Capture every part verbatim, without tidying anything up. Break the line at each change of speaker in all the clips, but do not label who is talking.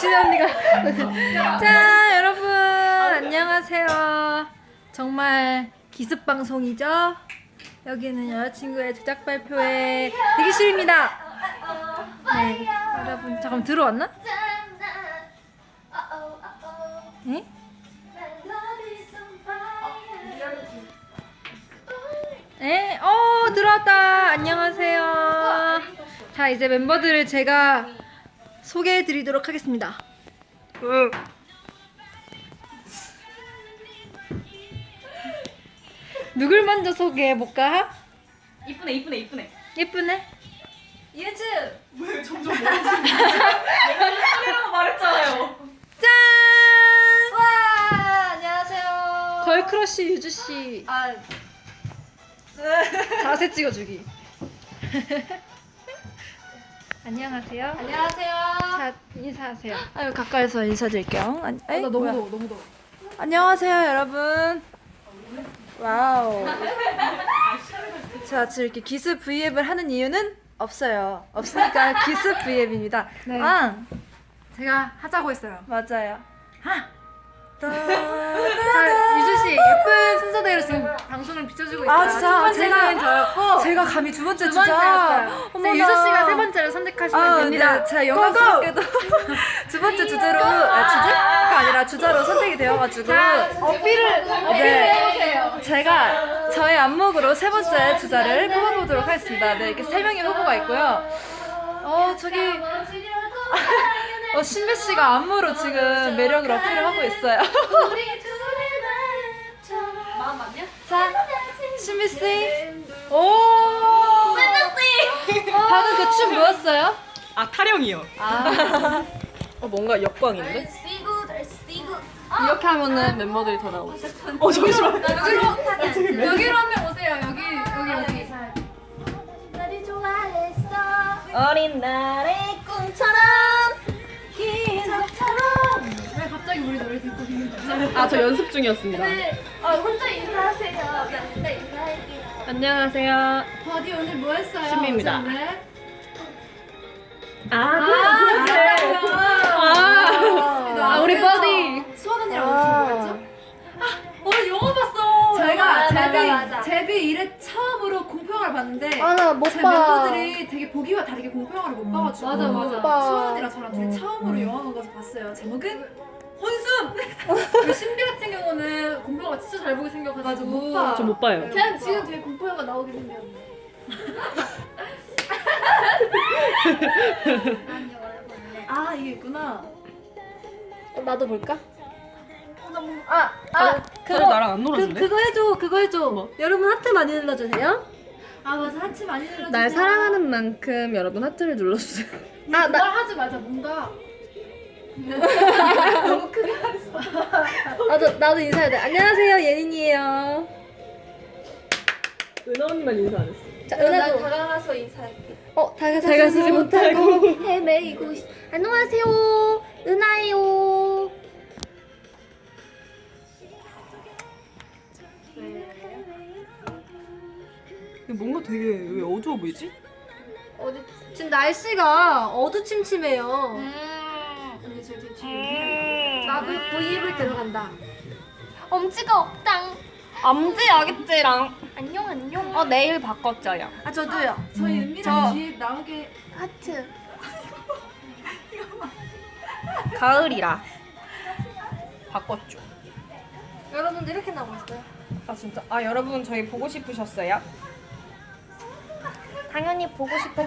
신혜 언니가. 자, 여러분 안녕하세요. 정말 기습 방송이죠. 여기는 여자친구의 제작 발표회 대기실입니다. 네, 여러분 잠깐 들어왔나? 네? 네, 어 들어왔다. 안녕하세요. 자, 이제 멤버들을 제가 소개해드리도록 하겠습니다. 응. 누굴 먼저 소개해볼까?
이쁘네 이쁘네 이쁘네.
예쁘네.
예즈. 왜 점점 멀어지는 거야? 내가 이쁘네라고 말했잖아요.
짠!
와 안녕하세요.
걸크러쉬 유주씨
아
자세 찍어주기. 안녕하세요.
안녕하세요.
자, 인사하세요. 아유, 가까이서 인사드릴게요. 아니,
어, 나 너무 더워 너무 더워.
안녕하세요, 여러분. 와우. 자, 지금 이렇게 기습 브이앱을 하는 이유는 없어요. 없으니까 기습 브이앱입니다.
네.
아,
제가 하자고 했어요.
맞아요.
하.
자,
자 유주 씨 예쁜 순서대로 지금 방송을 비춰주고 있어요.
아, 진짜?
첫 번째는
제가-
저였고
제가 감히 두 번째
두
주자.
번째였어요.
어머나.
이제 유주 씨가 세 번째를 선택하시면
아,
됩니다.
네, 제가 영광스럽게도 두 번째 주제로, 아, 주제가 아니라 주자로 선택이 되어가지고.
자 어필을 어필을
네.
해보세요.
제가 저의 안목으로 세 번째 주자를 뽑아보도록 하겠습니다. 네, 이렇게 세 명의 후보가 있고요. 어, 저기, 어, 신배 씨가 안무로 지금 매력을 어필을 하고 있어요.
마음 맞냐?
자, 신비 씨. 오! 방금 그 춤 뭐였어요?
아 타령이요.
아,
어 뭔가 역광인데?
이렇게 하면은 멤버들이 더 나오지.
어 잠시만.
여기로 여기로 한 명 오세요. 여기 여기 여기.
어린 날의 꿈처럼
왜 갑자기 우리 노래 듣고 있는 거죠?
아 저 연습 중이었습니다.
어, 혼자 인사하세요. 나 혼자 인사할게요.
안녕하세요.
버디 오늘 뭐 했어요?
신비입니다.
어제 오늘?
아,
아, 그래요.
아, 우리 버디.
수원 언니랑 어디서 뭐 했죠? 아, 오늘 영화 봤어. 제가
맞아,
제비
맞아, 맞아.
제비 일회 처음으로 공포영화를 봤는데
아, 나 못
제
봐.
멤버들이 되게 보기와 다르게 공포영화를 못 봐가지고
맞아, 맞아. 못 봐.
수원 언니랑 저랑 둘이 처음으로 영화관 가서 봤어요. 제목은 혼숨. 우리 신비 같은 경우는 공포영화 진짜 잘 보게 생겨가지고 못 봐.
저 못 봐요.
그냥 지금 되게 공포영화 나오게 생겼네. 난 영화를 볼래.
아 이게 있구나.
나도 볼까?
아,
아, 그거 나랑 안
그,
놀았는데?
그거 해줘, 그거 해줘. 여러분 하트 많이 눌러주세요.
아 맞아 하트 많이 눌러주세요.
날 사랑하는 만큼 여러분 하트를 눌러주세요.
아, 나 하지 말자. 뭔가 너무 크게 했어.
나도, 나도 인사해야 돼. 안녕하세요, 예린이에요.
은하 언니만 인사 안 했어.
자,
난
은하도.
다가가서 인사할게.
어, 다가서지 못하고.
헤매이고 있... 안녕하세요. 은하예요.
뭔가 되게 왜 어두워 보이지?
어디, 지금 날씨가 어두침침해요.
언니 저 뒤에 뒤에
나도 브이앱을 들어간다.
엄지가 없당.
암지 아기찌랑.
안녕 안녕.
어 내일 바꿨죠요.
아, 저도요.
저희 은미랑 뒤에 나오게
하트.
가을이라 바꿨죠.
여러분들 이렇게 나오고 있어요.
아 진짜? 아 여러분 저희 보고 싶으셨어요?
당연히 보고 싶어.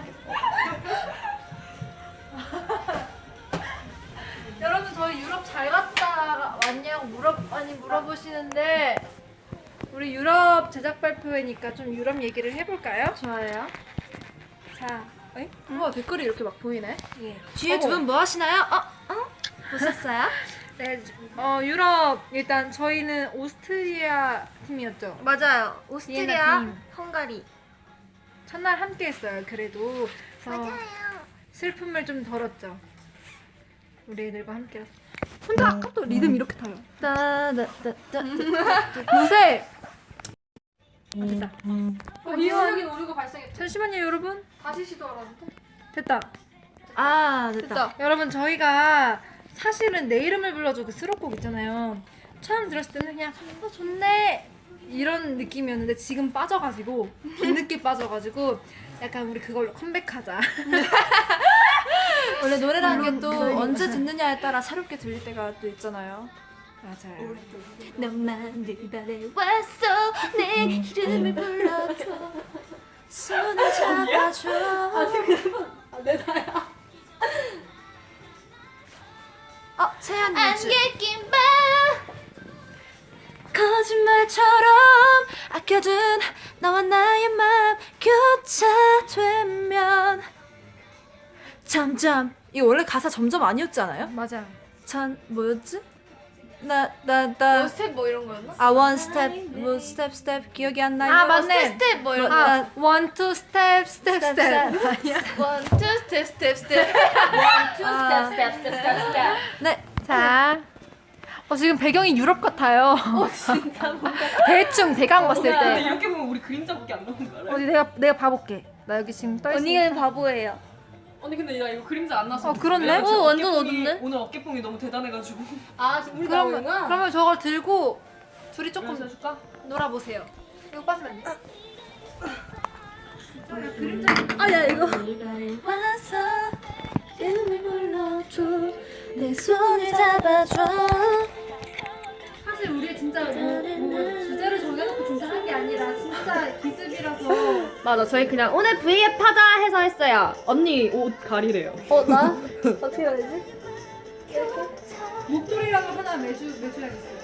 여러분, 저희 유럽 잘 갔다 왔냐고 물어, 많이 물어보시는데, 우리 유럽 제작 발표회니까 좀 유럽 얘기를 해볼까요?
좋아요.
자, 에? 우와, 댓글이 이렇게 막 보이네?
예.
뒤에 두 분 뭐 하시나요? 어? 어?
보셨어요?
네, 어, 유럽, 일단 저희는 오스트리아 팀이었죠.
맞아요.
비엔나
오스트리아,
팀.
헝가리.
첫날 함께 했어요, 그래도. 그래서
맞아요.
슬픔을 좀 덜었죠. 우리 애들과 함께. 혼자 아까부터 리듬 이렇게 타요. 따다다다. 요새 됐다.
어, 이수혁이 오류가 발생했죠.
잠시만요, 여러분.
다시 시도하라는데.
됐다. 아, 됐다.
됐다.
여러분, 저희가 사실은 내 이름을 불러줘 그 수록곡 있잖아요. 처음 들었을 때는 그냥 어 좋네 이런 느낌이었는데 지금 빠져가지고 뒤늦게 빠져가지고 약간 우리 그걸로 컴백하자.
원래 노래라는 게 또
물론
언제 듣느냐에 따라 새롭게 들릴 때가 또 있잖아요.
맞아요.
너만 늘 바래왔어 내 이름을 불러줘
손을 잡아줘. 어, 채연이 주
안개 낀봐
거짓말처럼 아껴둔 너와 나의 맘 교차되면 점점 이거 원래 가사 점점 아니었지 않아요?
맞아.
전 뭐였지? 나 나나
스텝 뭐 이런 거였나?
아 원 스텝 뭐 스텝 스텝 기억이 안 나요.
아 맞네.
스텝 뭐 이런 거
아 one two step step
스텝,
step.
스텝.
아니야.
원, 투, 스텝, 스텝, 스텝 원, 투, 스텝, 스텝, 스텝, 스텝, 스텝
네.
자. 어 지금 배경이 유럽 같아요. 어 진짜 뭔가 대충 대강 봤을
근데
때.
이렇게 보면 우리 그림자밖에 안 나오는 거 알아요?
어디 내가 내가 봐볼게. 나 여기 지금 떠 있어.
언니가 바보예요
언니 근데 나 이거 그림자 안 나서
어, 그렇네?
왜냐면 지금
어, 완전
어깨뽕이-
어둡네?
오늘 어깨뽕이 너무 대단해가지고
아 지금 우리
그러면
나오는구나
그러면 저걸 들고 둘이 조금
그래서 해줄까?
놀아보세요. 이거 빠지면 안 돼.
아야 이거
와서 이름을 불러줘 내 손을 잡아줘.
사실 우리 진짜 뭐, 뭐 주제를 정해놓고 진짜 한 게 아니라 진짜 기습이라서.
맞아 저희 그냥 오늘 브이앱 하자 해서 했어요
언니 옷 가리래요.
어 나? 어떻게 해야 되지?
목도리라도 하나 매주 매줘야겠어요.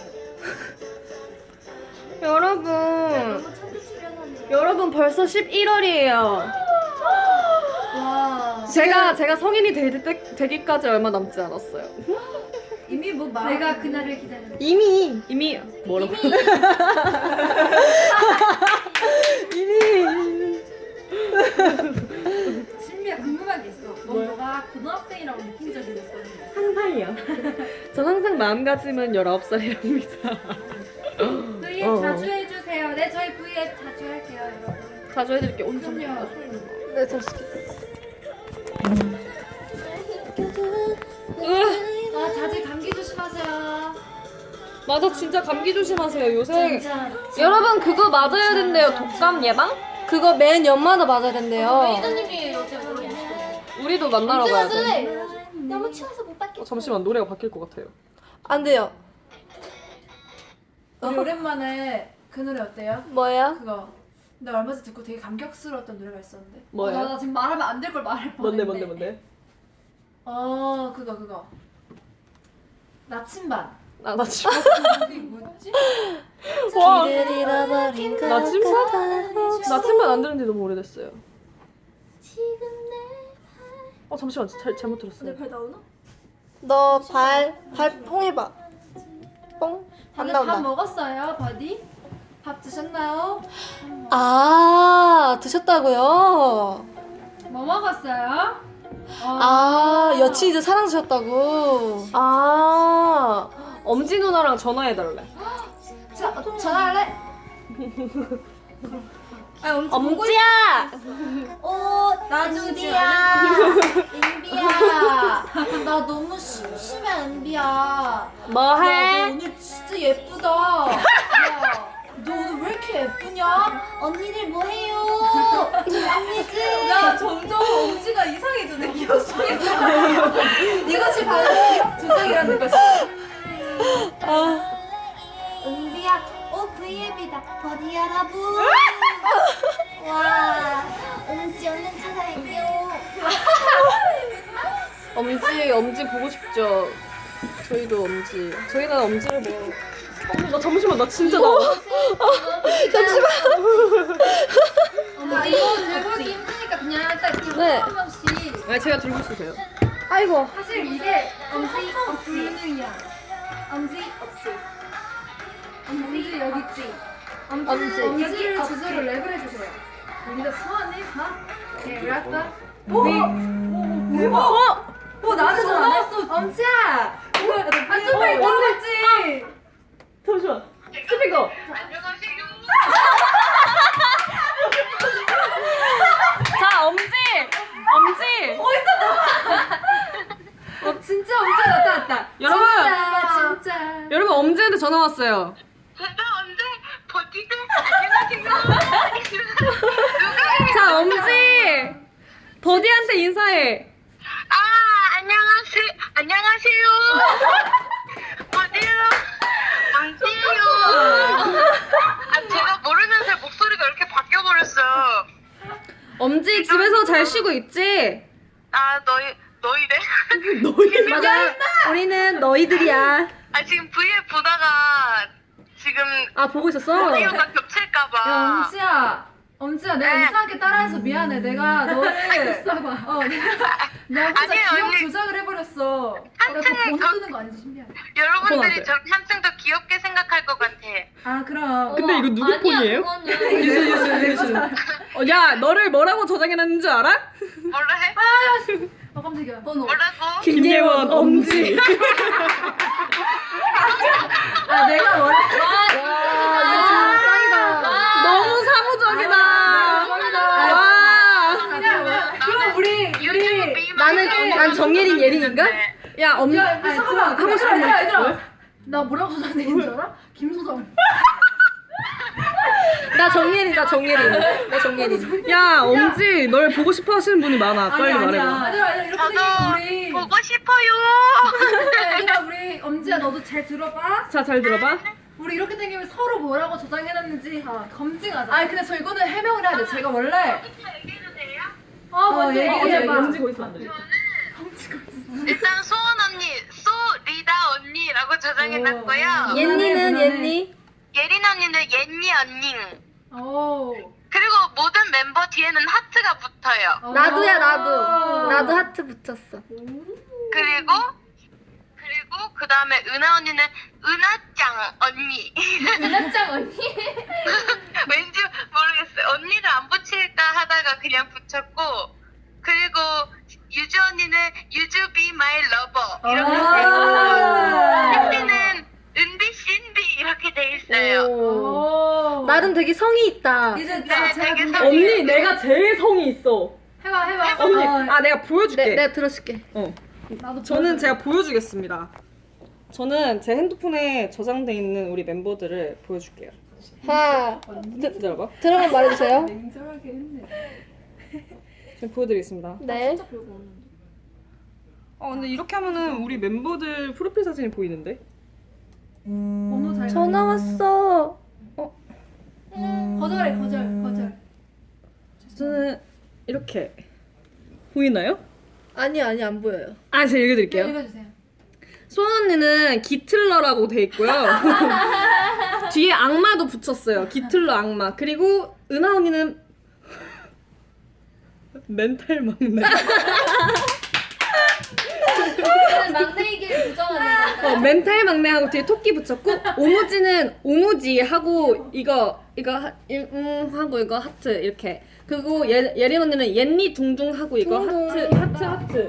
여러분 여러분 벌써 십일월이에요
와.
제가 제가 성인이 되, 되, 되기까지 얼마 남지 않았어요
이미 뭐 말.
내가 그날을 기다렸다.
이미
이미 뭐라고?
신비야 궁금한 게 있어. 너 너가 고등학생이라고 느낀 적이 있어?
상상이야. 전 항상 마음가짐은 열아홉 살이랍니다.
V앱
어.
자주 해주세요. 네 저희 V앱 자주 할게요 여러분.
자주 해드릴게. 오늘 좀
그럼요.
네 잠시
아 다들 감기 조심하세요.
맞아 진짜 감기 조심하세요. 요새
진짜.
여러분 그거 맞아야 된대요 독감 예방? 그거 매 년마다 맞아야 된대요
매니저님이 어제 모르겠어요.
우리도 만나러 가야 돼.
너무 추워서 못 받겠어
어, 잠시만 노래가 바뀔 것 같아요.
안 돼요
우리 오랜만에 그 노래 어때요?
뭐예요?
그거. 나 얼마 전에 듣고 되게 감격스러웠던 노래가 있었는데.
뭐예요?
어, 나, 나 지금 말하면 안 될 걸 말할
뭔데
뻔했네.
뭔데 뭔데?
어 그거 그거. 나침반.
아, 나 지금
그게 뭐였지?
와
길을 잃어버린 것
나침반?
같아.
나침반 안 들은 지 너무 오래됐어요.
지금
어 잠시만 잘 잘못 들었어.
내 발 나오나?
너 발, 발 뽕해봐 뽕? 안
다들 밥
나온다
먹었어요, 버디? 밥 드셨나요?
아 드셨다고요?
뭐 먹었어요?
아 여친이들 사랑 주셨다고
아 엄지 누나랑 전화해달래.
자, 전화할래? 아, 엄지 보고
엄지야.
어, 나주지야. 은비야. 나 너무 심심해, 은비야.
뭐해?
야, 너 오늘 진짜 예쁘다. 야, 너 오늘 왜 이렇게 예쁘냐? 언니들 뭐해요? 언니들. 야, 점점 엄지가 이상해지네. 기억속에. 이것이 바로 조작이라는 것이. 은비야, 오 브이앱이다. 버디 여러분. 와, 은지 얼른 찾아갈게요.
엄지 엄지 보고 싶죠. 저희도 엄지. 저희는 엄지를 뭐. 어, 나 잠시만 나 진짜 나.
아 이거 들고 하기 힘드니까 그냥 딱 이렇게
네.
한 명씩.
아 제가 들고 있으세요.
아이고
사실 이게 엄지 불능이야. 엄지 없지. 엄지 여기 있지. 엄지
엄지.
엄지를 주소로 랩을 해주세요. 우리가 소원을 다. 네 랩다.
대박. 어? 어, 나한테 전화 왔어. 엄지야. 아, 좀 빨리 왔지.
잠시만. 스피커. 자 엄지 엄지.
어 진짜 엄청 나타났다.
전화 왔어요.
제가 언제 버티대? 안녕하세요.
자, 엄지! 버디한테 인사해.
아, 안녕하세요. 안녕하세요. 어디요? 왕지요. 아, 제가 모르는 새 목소리가 이렇게 바뀌어버렸어요.
엄지 집에서 잘 쉬고 있지?
아, 너희, 너희래?
너희 맞아. 우리는 너희들이야.
아, 지금 브이앱 보다가 지금
아, 보고 있었어?
오디오가 겹칠까봐.
야 엄지야 엄지야 내가
네.
이상하게 따라해서 미안해. 내가 너를 어 내가 내가 혼자
아니에요,
기억
언니.
조작을 해버렸어.
한층
내가 번호
더-
뜨는 거 아니지 신비하네.
여러분들이
폰한테.
저를 한층 더 귀엽게 생각할 것 같아.
아 그럼
근데 이거 누구 폰이에요?
그거는
유수, 유수, 유수. 어, 야, 너를 뭐라고 저장해놨는 줄 알아?
뭐라 해?
아 깜짝이야. 번호.
뭐라고?
김예원, 엄지.
아 내가 원래
와, 짱이다. 너무 사무적이다. 와.
그냥 그럼 우리
유튜브 미만
나는, 난 정예린 예린인가? 야, 엄,
야 아니, 잠깐만
하고 싶은
얘들아
거
얘들아 나 뭐라고 저장되는 줄 알아? 김소정.
나 정예린, 나 정예린. 나 정예린. 야, 엄지, 널 보고 싶어 하시는 분이 많아. 빨리
아니야,
말해봐.
아니야. 얘들아 얘들아 이렇게
저도
되면 우리
보고 싶어요.
얘들아 우리 엄지야 너도 잘 들어봐.
자, 잘 들어봐.
우리 이렇게 되면 서로 뭐라고 저장해놨는지 아, 검증하자. 아니 근데 저 이거는 해명을 해야 돼. 제가 원래
얘기해도 돼요?
어 먼저
어,
얘기해봐.
엄지고 있어, 안 돼.
일단 소원 언니, 소리다 언니라고 저장해놨고요.
옌니는 옌니?
예린 언니는 옌니 언니.
오.
그리고 모든 멤버 뒤에는 하트가 붙어요.
나도야 나도 나도 하트 붙였어.
그리고 그리고 그 다음에 은하 언니는 은하짱 언니.
은하짱 언니?
왠지 모르겠어요. 언니를 안 붙일까 하다가 그냥 붙였고, 그리고 유주 언니는 유주 be my lover 이렇게 돼 있고, 신비는 은비 신비 이렇게 돼 있어요.
오.
나름 되게 성의 있다.
이제
네,
자, 제가
되게
근데
성-
언니, 내가 제일 성이 있어.
해봐 해봐.
언니,
어,
아, 내가 보여줄게.
네, 내가 들어줄게.
어.
나도
저는 제가 보여주겠습니다. 저는 제 핸드폰에 저장돼 있는 우리 멤버들을 보여줄게요.
하나
기다려봐.
들어만 말해주세요.
냉정하게 했네.
지금 보여드리겠습니다.
네.
어, 근데 이렇게 하면은 우리 멤버들 프로필 사진이 보이는데?
번호 잘.
전화 왔어.
거절해 거절 거절.
저는 이렇게 보이나요?
아니 아니 안 보여요.
아, 제가 읽어드릴게요.
읽어주세요.
소원 언니는 기틀러라고 돼 있고요. 뒤에 악마도 붙였어요. 기틀러 악마. 그리고 은하 언니는 멘탈 막내.
막내이길 부정하는 건가?
어, 멘탈 막내하고 뒤에 토끼 붙였고, 오무지는 오무지 하고 이거 이거 하, 이- 음 하고 이거 하트 이렇게. 그리고 예, 예린 언니는 옌니 둥둥 하고 이거 하트 하트 하트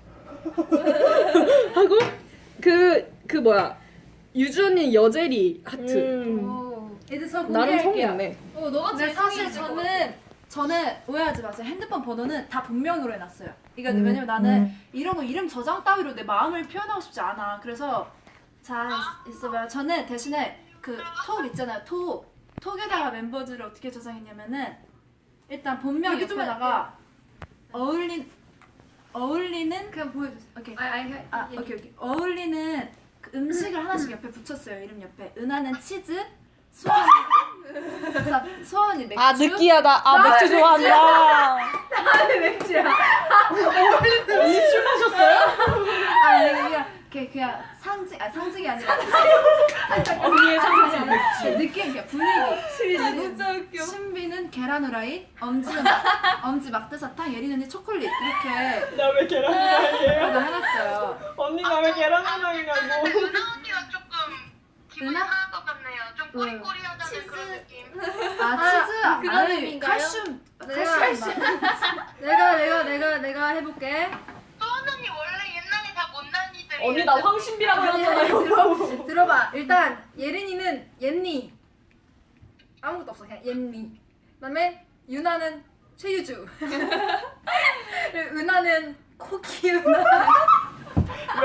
하고 그 그 뭐야 유주 언니는 여제리 하트.
음.
이제 저
나름 성이
공개할게요.
있네.
어, 너가 제일 사실 저는 저는 오해하지 마세요. 핸드폰 번호는 다 본명으로 해놨어요. 이거
음.
왜냐면 나는 이런 거 이름 저장 따위로 내 마음을 표현하고 싶지 않아. 그래서 자 있- 있어봐요. 저는 대신에 그 톡 있잖아요. 톡 톡에다가 멤버들을 어떻게 저장했냐면은 일단 본명 옆에다가 어울린 어울리는 그냥 보여주세요. 오케이. 아, 아, 아 오케이 오케이. 어울리는 그 음식을 하나씩 옆에 붙였어요. 이름 옆에. 은하는 치즈, 수원이 자, 수원이 맥주.
아 느끼하다. 아 맥주 좋아한다.
나는 맥주야.
언니 술 마셨어요?
아 그냥 그냥 그냥 상징 아 상징이 아니라
언니의 상징
맥주. 느낌 그냥 분위기. 진짜 웃겨. 신비는 계란 후라이, 엄지는 막- 엄지 막대사탕, 예린 언니 초콜릿 이렇게
나 왜 계란 후라이예요?
그거 해놨어요.
언니 나 왜 계란
근데
후라이라고?
은하 언니가 조금 기분이
은하?
상할 것 같네요. 좀 꼬리꼬리하다는 그런 느낌.
아 치즈
그런
아니,
의미인가요?
칼슘 칼슘. 내가 내가 내가 내가 해볼게.
소원 언니 원래 옛날에 다 못난이들이에요.
언니 나 황신비라고
아니,
했잖아요.
들어, 들어봐. 일단 예린이는 옌니 아무것도 없어. 그냥 옌니. 그다음에 유나는 최유주. 그리고 은하는 코키 은하.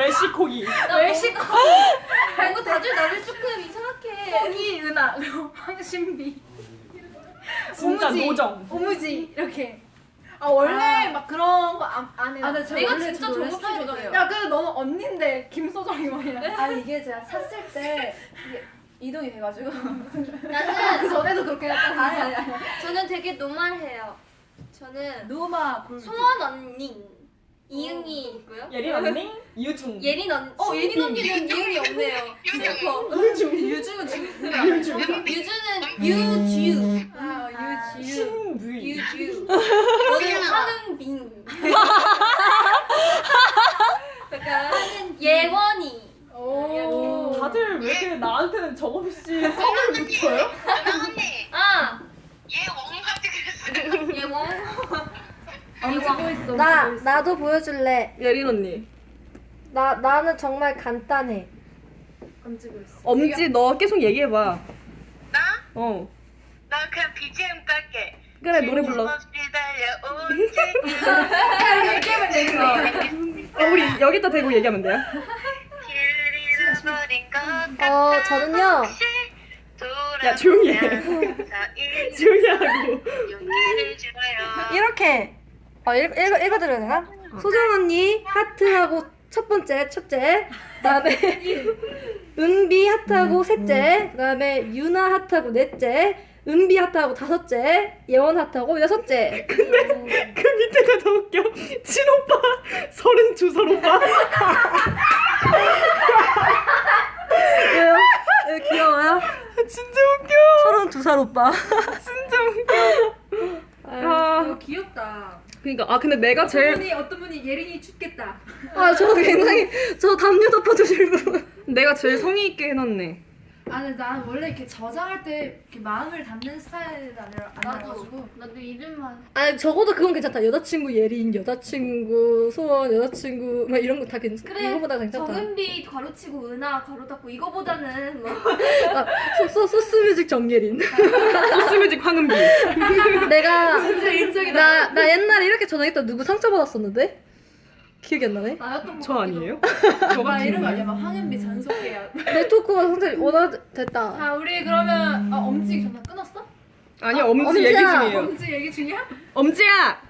웰시코기.
웰시코.
뭔가 다들 나를 조금 이상하게.
홍이 은하 그리고 황신비.
진짜
오무지,
노정.
오무지 이렇게. 아 원래 막 그런 거 안 안 해요.
아, 네,
내가
원래 진짜
저도
저거
스타일이에요.
스타일이에요.
야 근데 너는 언니인데 김소정이 뭐야?
아니 이게 제가 샀을 때 이게 이동이 돼가지고.
그
나는
전에도 그렇게 했잖아.
아니 아니 아니.
저는 되게 노멀해요. 저는
노마 골.
소원 언니 이응이 있고요.
예린 언니, 유중.
예린 언. 어 예린 언니는 이응이 없네요. 슬퍼.
유중 유중은 지금
유주는 유주.
아 유지.
신부이.
유주. 저는 황은빈. 약간 예원이.
오.
다들 왜 이렇게 나한테는 정없이 선을 붙여요?
은하 언니
아
얘 웡하지 그랬어요.
예원.
찍고 있어.
나
찍고 있어.
나도 보여줄래.
예린 언니.
나 나는 정말 간단해.
안 찍고 있어.
엄지 너 계속 얘기해봐.
나?
어.
나 그냥 비지엠 깔게.
그래 노래 불러.
없이 달려온
얘기하면 되는 거야.
어, 우리 여기다 대고 얘기하면 돼요?
길 잃어버린 것 같아.
어 저는요.
혹시
야, 조용히 해.
돌아보면 사이
조용히 하고.
용기를 줘요.
이렇게 어 읽, 읽어 읽어드려야 되나? 소정 언니 하트하고 첫 번째 첫째, 그다음에 은비 하트하고 셋째, 그다음에 유나 하트하고 넷째, 은비 하트하고 다섯째, 예원 하트하고 여섯째.
그 밑에가 더 웃겨. 친오빠, 서른두 살 오빠.
왜요? 왜 귀여워요?
진짜 웃겨.
서른두 살 오빠.
진짜 웃겨. 아,
이거 귀엽다.
그러니까 아 근데 내가
어떤
제일
분이 어떤 분이 예린이 춥겠다.
아 저 굉장히 저 담요 덮어주실 분.
내가 제일 성의 있게 해놨네.
아 근데 난 원래 이렇게 저장할 때 이렇게 마음을 담는 스타일은 아니라 아니라가지고.
나도 이름만.
아니 적어도 그건 괜찮다. 여자친구 예린, 여자친구 소원, 여자친구 막 이런 거 다 괜찮.
그래.
이거보다 괜찮다.
정은비 가로치고 은하 가로 닫고 이거보다는 뭐.
아, 소, 소, 소스뮤직 정예린.
소스뮤직 황은비.
내가
진짜 인적이다.
나, 나 옛날에 이렇게 전화했다 누구 상처받았었는데? 기억이 안 나네?
나였던 거
저 아니에요?
저 막 이런 거 아니야? 막 황은비 전속계야.
내 토크가 상당히 원화됐다.
자 우리 그러면 어, 엄지 전화 끊었어?
아니 엄지
엄지야.
얘기 중이에요.
엄지 얘기 중이야?
엄지야.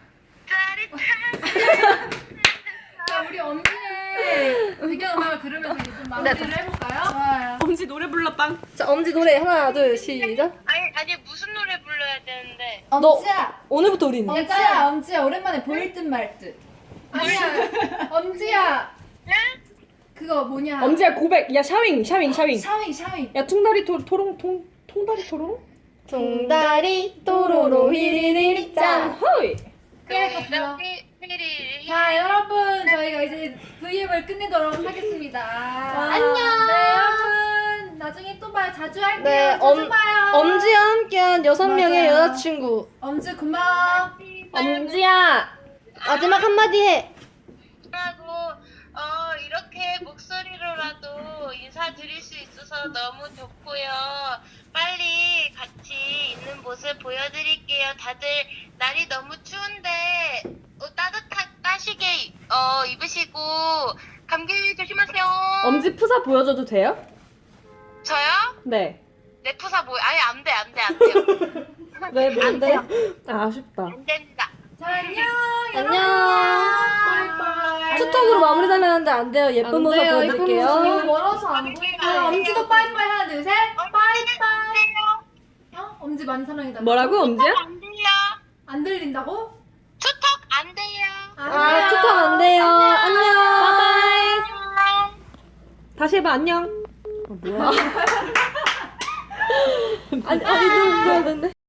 자 우리 엄지의 배경음악을 들으면서 이제 좀 마무리를 해볼까요? 좋아요.
엄지 노래 불러 빵.
자 엄지 노래 하나 둘 시작.
아니 아니 무슨 노래 불러야 되는데?
엄지야.
오늘부터 우리는.
엄지야 엄지야 오랜만에 보일 듯 말 듯. 아니야 엄지야.
응?
그거 뭐냐?
엄지야 고백. 야 샤윙 샤윙 샤윙.
샤윙 샤윙.
야 퉁다리 토 토롱 통 통다리 토롱.
동다리 또로로 휘리리리 짠.
호이.
그래 그거 불러.
삐리리.
자 여러분 저희가 이제 브이앱을 끝내도록 하겠습니다.
안녕.
네 여러분 나중에 또 봐요. 자주 할게요.
네,
자주
엄-
봐요.
엄지와 함께한 여섯 명의
맞아요.
여자친구.
엄지 고마워.
엄지야 마지막 한마디 해.
하고 어 이렇게 목소리로라도 인사드릴 수 있어서 너무 좋고요. 빨리 같이 있는 모습 보여드릴게요. 다들 날이 너무 추운데 어, 따뜻한 따시게 어 입으시고 감기 조심하세요.
엄지 푸사 보여줘도 돼요?
저요?
네.
내 푸사 뭐 아예 안돼 안돼 안 돼요.
왜 뭔데?
아 아쉽다.
안 됩니다.
자 안녕.
안녕.
바이바이.
투톡으로 마무리하면 하는데 안 돼요. 예쁜
안
모습
돼요, 예쁜
너무
보여드릴게요.
멀어서 안 보여. 아, 엄지도 빠이빠이 하나 둘 셋. 빠이빠이. 어? 엄지 많이 사랑해달라.
뭐라고 엄지야?
안 돼요.
안 들린다고?
투톡 안 돼요.
아 투톡 안 돼요. 안녕.
안녕.
다시 해봐 안녕.
아니 아니 눈 보여야 되는데.